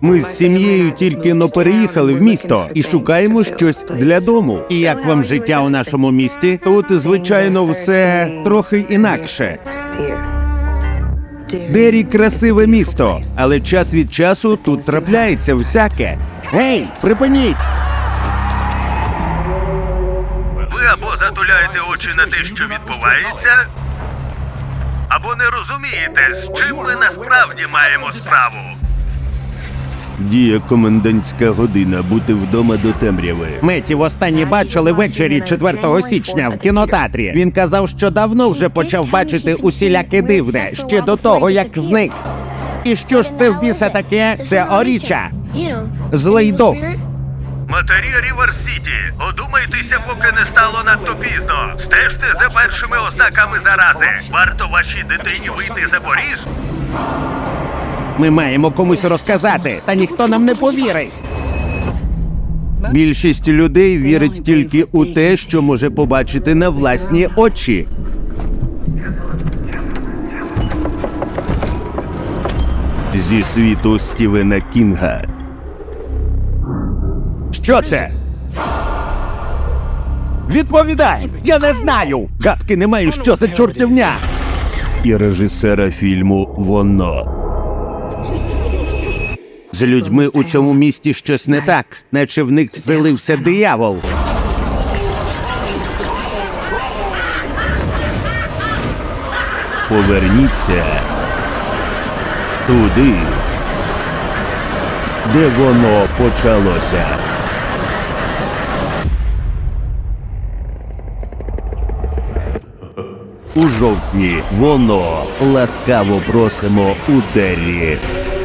Ми з сім'єю тільки-но переїхали в місто і шукаємо щось для дому. І як вам життя у нашому місті? Тут, звичайно, все трохи інакше. Дері – красиве місто, але час від часу тут трапляється всяке. Гей, припиніть! Ви або затуляєте очі на те, що відбувається, або не розумієте, з чим ми насправді маємо справу. Діє комендантська година, бути вдома до темряви. Меті востаннє бачили ввечері 4 січня в кінотеатрі. Він казав, що давно вже почав бачити усіляке дивне, ще до того, як зник. І що ж це в біса таке? Це Оріча. Злий дух. Матері Рівер-Сіті, одумайтеся, поки не стало надто пізно. Стежте за першими ознаками зарази. Варто вашій дитині вийти за поріг? Ми маємо комусь розказати, та ніхто нам не повірить. Більшість людей вірить тільки у те, що може побачити на власні очі. Зі світу Стівена Кінга. Що це? Відповідай! Я не знаю! Гадки не маю, що за чортівня! І режисера фільму «Воно». З людьми у цьому місті щось не так, наче в них вселився диявол. Поверніться туди, де воно почалося. У жовтні «Воно». Ласкаво просимо у Дері.